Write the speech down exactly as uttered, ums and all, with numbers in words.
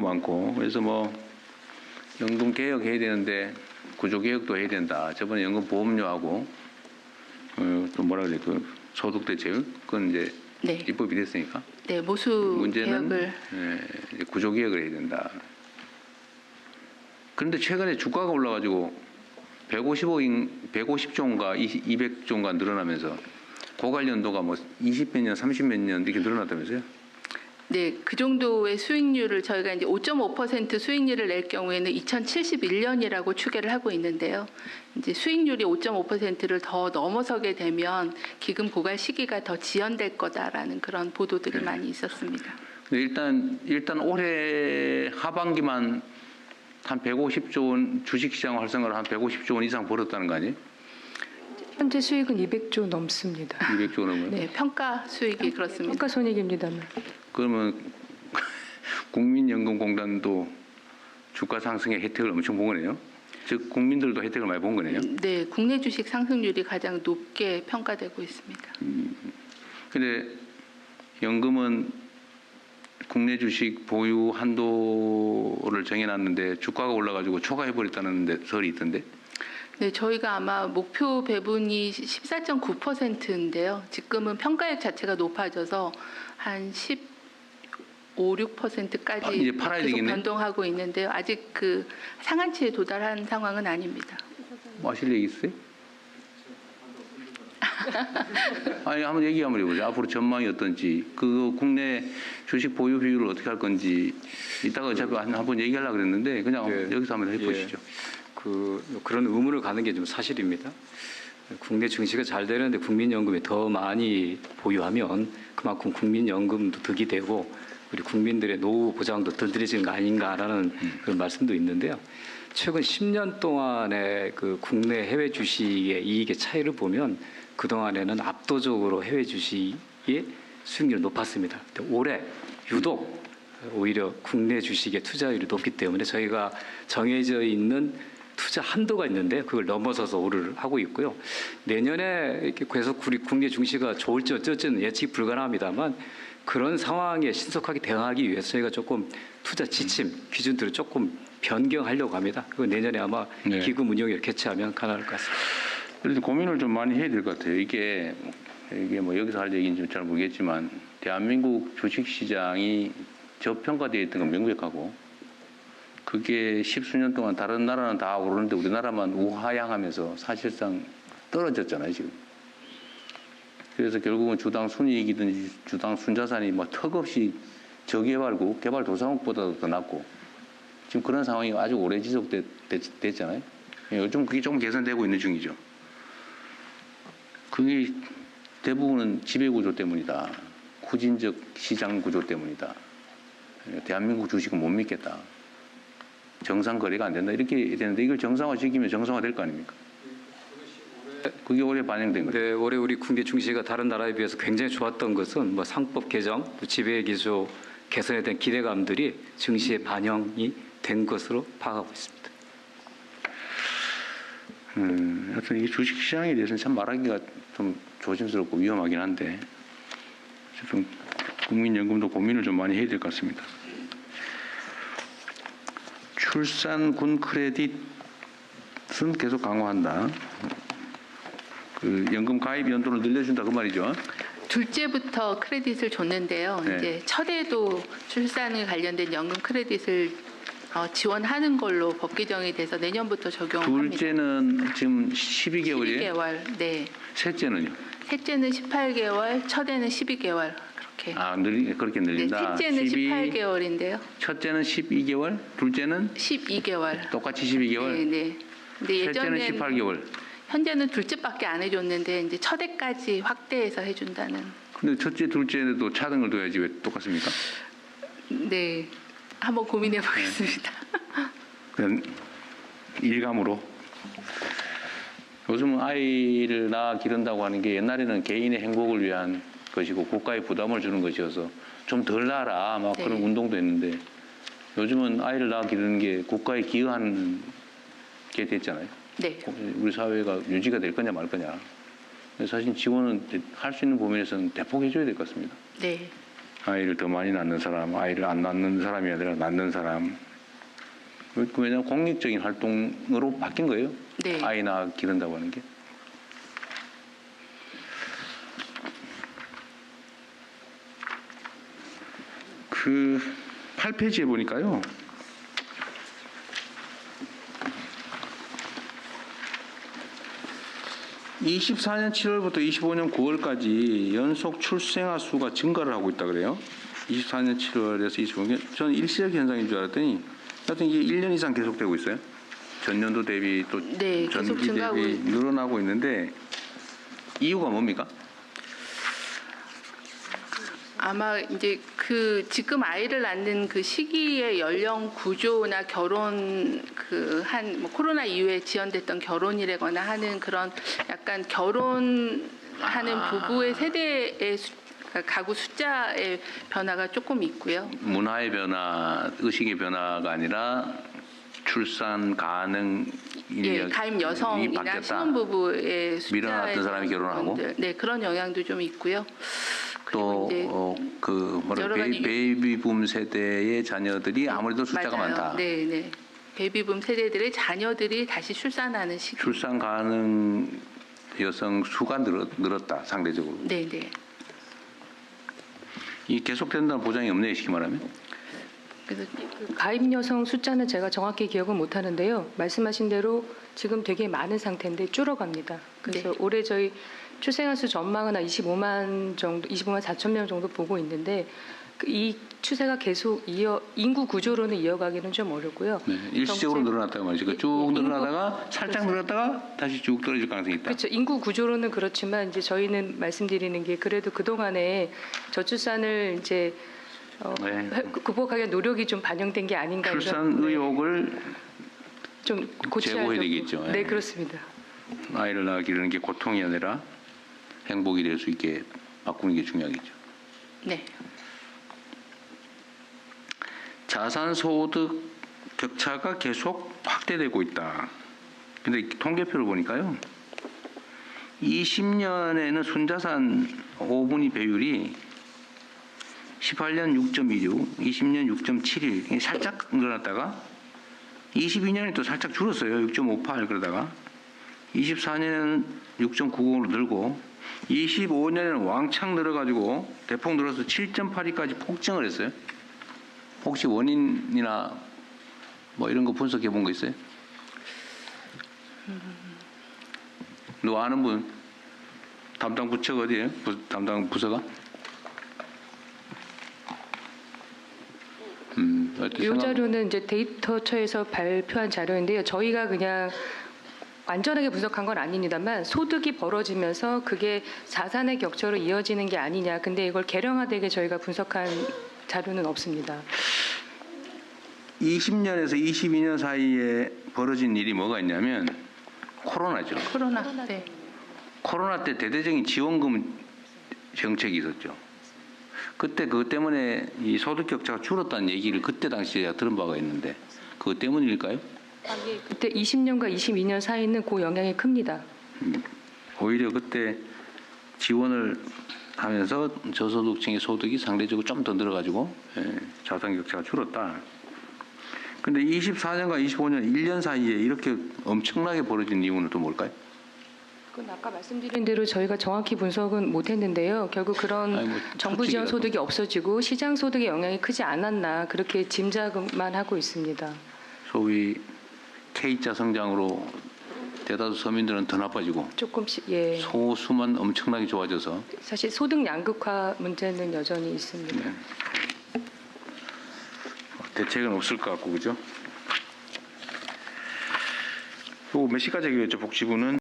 많고 그래서 뭐 연금 개혁해야 되는데 구조 개혁도 해야 된다. 저번에 연금 보험료하고 어, 또 뭐라 그래 그 소득 대체율 그건 이제 네. 입법이 됐으니까. 네, 모수 문제는 개혁을 예, 이제 구조 개혁을 해야 된다. 그런데 최근에 주가가 올라가지고 백오십억, 백오십조 원가 이백조 원가 늘어나면서 고관련도가 뭐 이십 몇 년, 삼십 몇 년 이렇게 늘어났다면서요? 네, 그 정도의 수익률을 저희가 이제 오 점 오 퍼센트 수익률을 낼 경우에는 이천칠십일 년이라고 추계를 하고 있는데요. 이제 수익률이 오 점 오 퍼센트를 더 넘어서게 되면 기금 고갈 시기가 더 지연될 거다라는 그런 보도들이 네. 많이 있었습니다. 근데 일단 일단 올해 하반기만 한 백오십조 원 주식시장 활성화를 한 백오십조 원 이상 벌었다는 거 아니에요? 현재 수익은 이백조 넘습니다. 이백조 원 넘어요? 네, 평가 수익이 그렇습니다. 평가 손익입니다만. 그러면 국민연금공단도 주가 상승의 혜택을 엄청 본 거네요. 즉 국민들도 혜택을 많이 본 거네요. 네, 국내 주식 상승률이 가장 높게 평가되고 있습니다. 근데 연금은 국내 주식 보유 한도를 정해놨는데 주가가 올라가지고 초과해버렸다는 설이 있던데. 네, 저희가 아마 목표 배분이 십사 점 구 퍼센트인데요. 지금은 평가액 자체가 높아져서 한 십오, 육 퍼센트까지 아, 이제 팔아야 계속 되겠네? 변동하고 있는데요. 아직 그 상한치에 도달한 상황은 아닙니다. 뭐 하실 얘기 있어요? 아니 한번 얘기 한번 해보죠. 앞으로 전망이 어떤지, 그 국내 주식 보유 비율을 어떻게 할 건지 이따가 어차피 한번 얘기하려고 그랬는데 그냥 네. 여기서 한번 해보시죠. 예. 그 그런 의문을 가는 게 좀 사실입니다. 국내 증시가 잘 되는데 국민연금이 더 많이 보유하면 그만큼 국민연금도 득이 되고 우리 국민들의 노후 보장도 덜 들어지는 거 아닌가라는 음. 그런 말씀도 있는데요. 최근 십 년 동안의 그 국내 해외 주식의 이익의 차이를 보면 그 동안에는 압도적으로 해외 주식의 수익률이 높았습니다. 근데 올해 유독 오히려 국내 주식의 투자율이 높기 때문에 저희가 정해져 있는 투자 한도가 있는데 그걸 넘어서서 오를 하고 있고요. 내년에 이렇게 계속 우리 국내 증시가 좋을지 어쩔지는 예측이 불가능합니다만 그런 상황에 신속하게 대응하기 위해서 저희가 조금 투자 지침 기준들을 조금 변경하려고 합니다. 그 내년에 아마 네. 기금 운용을 개최하면 가능할 것 같습니다. 그래서 고민을 좀 많이 해야 될 것 같아요. 이게 이게 뭐 여기서 할 얘기인지 잘 모르겠지만 대한민국 주식시장이 저평가되어 있던 건 명백하고 그게 십수년 동안 다른 나라는 다 오르는데 우리나라만 우하향하면서 사실상 떨어졌잖아요 지금. 그래서 결국은 주당 순이익이든지 주당 순자산이 뭐 턱없이 저개발국 개발도상국보다도 더 낮고 지금 그런 상황이 아주 오래 지속됐잖아요. 요즘 그게 조금 개선되고 있는 중이죠. 그게 대부분은 지배구조 때문이다. 후진적 시장 구조 때문이다. 대한민국 주식은 못 믿겠다. 정상 거래가 안 된다. 이렇게 되는데 이걸 정상화 시키면 정상화 될 거 아닙니까? 그게 올해 반영된 거죠. 네, 올해 우리 국내 증시가 다른 나라에 비해서 굉장히 좋았던 것은 뭐 상법 개정, 지배 기조 개선에 대한 기대감들이 증시에 반영이 된 것으로 파악하고 있습니다. 음, 하여튼 이 주식시장에 대해서는 참 말하기가 좀 조심스럽고 위험하긴 한데 좀 국민연금도 고민을 좀 많이 해야 될 것 같습니다. 출산군 크레딧은 계속 강화한다. 그 연금 가입 연도를 늘려준다 그 말이죠. 둘째부터 크레딧을 줬는데요. 네. 이제 첫에도 출산에 관련된 연금 크레딧을 어, 지원하는 걸로 법 개정이 돼서 내년부터 적용합니다. 둘째는 지금 십이 개월이에요. 십이 개월. 네. 셋째는요? 셋째는 십팔 개월, 첫에는 십이 개월. 그렇게. 아, 늘 그렇게 네, 늘린다. 셋째는 십이, 십팔 개월인데요. 첫째는 십이 개월, 둘째는 십이 개월. 똑같이 십이 개월. 네, 네. 근데 셋째는 예전엔 십팔 개월. 현재는 둘째밖에 안 해줬는데 이제 첫해까지 확대해서 해준다는. 근데 첫째, 둘째에도 차등을 둬야지 왜 똑같습니까? 네, 한번 고민해 보겠습니다. 그냥 일감으로. 요즘은 아이를 낳아 기른다고 하는 게 옛날에는 개인의 행복을 위한 것이고 국가의 부담을 주는 것이어서 좀 덜 낳아라 막 네. 그런 운동도 했는데 요즘은 아이를 낳아 기르는 게 국가에 기여하는 게 됐잖아요. 네. 우리 사회가 유지가 될 거냐 말 거냐. 사실 지원은 할 수 있는 범위에서는 대폭 해줘야 될 것 같습니다. 네. 아이를 더 많이 낳는 사람, 아이를 안 낳는 사람이 아니라 낳는 사람. 그- 왜냐하면 공익적인 활동으로 바뀐 거예요. 네. 아이 낳아 기른다고 하는 게. 그 팔 페이지에 보니까요. 이십사 년 칠월부터 이십오 년 구월까지 연속 출생아 수가 증가를 하고 있다 그래요. 이십사 년 칠월에서 이십오 년. 저는 일시적 현상인 줄 알았더니 하여튼 이게 일 년 이상 계속되고 있어요. 전년도 대비 또 네, 계속 전기 증가하고 대비 있- 늘어나고 있는데 이유가 뭡니까? 아마 이제 그 지금 아이를 낳는 그 시기의 연령 구조나 결혼 그 한 뭐 코로나 이후에 지연됐던 결혼이라거나 하는 그런 약간 결혼하는 아. 부부의 세대의 수, 가구 숫자의 변화가 조금 있고요. 문화의 변화, 의식의 변화가 아니라 출산 가능 예, 인력이 가임 여성이나 바뀌었다. 신혼부부의 숫자에 밀어놨던 사람이 대한 결혼하고? 부분들, 네 그런 영향도 좀 있고요. 또 그리고 이제 어, 그 뭐라 여러 베이, 가지- 베이비붐 세대의 자녀들이 아무래도 숫자가 맞아요. 많다. 네, 네. 베이비붐 세대들의 자녀들이 다시 출산하는 시기. 출산 가능 여성 수가 늘었, 늘었다 상대적으로. 네, 네. 이 계속된다는 보장이 없네요, 쉽게 말하면. 그래서 그 가입 여성 숫자는 제가 정확히 기억은 못 하는데요. 말씀하신 대로 지금 되게 많은 상태인데 줄어갑니다. 그래서 네. 올해 저희 출생아 수 전망은 한 이십오만 정도, 이십오만 사천 명 정도 보고 있는데 그이 추세가 계속 이어 인구 구조로는 이어가기는 좀 어렵고요. 네, 일시적으로 정책- 늘어났다고 말이죠. 그 예, 쭉 예, 늘어나다가 살짝 늘었다가 다시 쭉 떨어질 가능성이 있다. 그렇죠. 인구 구조로는 그렇지만 이제 저희는 말씀드리는 게 그래도 그 동안에 저출산을 이제 어, 네. 극복하기 위한 노력이 좀 반영된 게 아닌가 이런- 출산 네, 의욕을 좀 고쳐야 제고해야 되고. 되겠죠. 네, 예. 그렇습니다. 아이를 낳아 기르는 게 고통이 아니라 행복이 될 수 있게 바꾸는 게 중요하겠죠. 네. 자산 소득 격차가 계속 확대되고 있다. 근데 통계표를 보니까요. 이십 년에는 순자산 오 분위 배율이 십팔 년 육 점 일육, 이십 년 육 점 칠일 이게 살짝 늘어났다가 이십이 년에 또 살짝 줄었어요. 육 점 오팔 그러다가 이십사 년에는 육 점 구공으로 늘고 이십오 년에는 왕창 늘어가지고 대폭 늘어서 칠 점 팔이까지 폭증을 했어요. 혹시 원인이나 뭐 이런 거 분석해 본 거 있어요? 너 아는 분? 담당 부처가 어디예요? 부, 담당 부서가? 음, 어떻게 이 생각- 자료는 이제 데이터처에서 발표한 자료인데요. 저희가 그냥 완전하게 분석한 건 아닙니다만 소득이 벌어지면서 그게 자산의 격차로 이어지는 게 아니냐. 근데 이걸 계량화되게 저희가 분석한 자료는 없습니다. 이십 년에서 이십이 년 사이에 벌어진 일이 뭐가 있냐면 코로나죠. 코로나. 네. 코로나 때 대대적인 지원금 정책이 있었죠. 그때 그것 때문에 이 소득 격차가 줄었다는 얘기를 그때 당시에 제가 들은 바가 있는데 그것 때문일까요? 그때 이십 년과 이십이 년 사이는 그 영향이 큽니다. 오히려 그때 지원을 하면서 저소득층의 소득이 상대적으로 좀 더 늘어가지고 예, 자산 격차가 줄었다. 근데 이십사 년과 이십오 년 일 년 사이에 이렇게 엄청나게 벌어진 이유는 또 뭘까요? 그건 아까 말씀드린 대로 저희가 정확히 분석은 못했는데요. 결국 그런 아니, 뭐 정부 지원 추측이라도. 소득이 없어지고 시장 소득의 영향이 크지 않았나 그렇게 짐작만 하고 있습니다. 소위 K자 성장으로 대다수 서민들은 더 나빠지고 조금씩 예. 소수만 엄청나게 좋아져서 사실 소득 양극화 문제는 여전히 있습니다. 네. 대책은 없을 것 같고 그죠? 요거 몇 시까지 하기로 했죠 복지부는?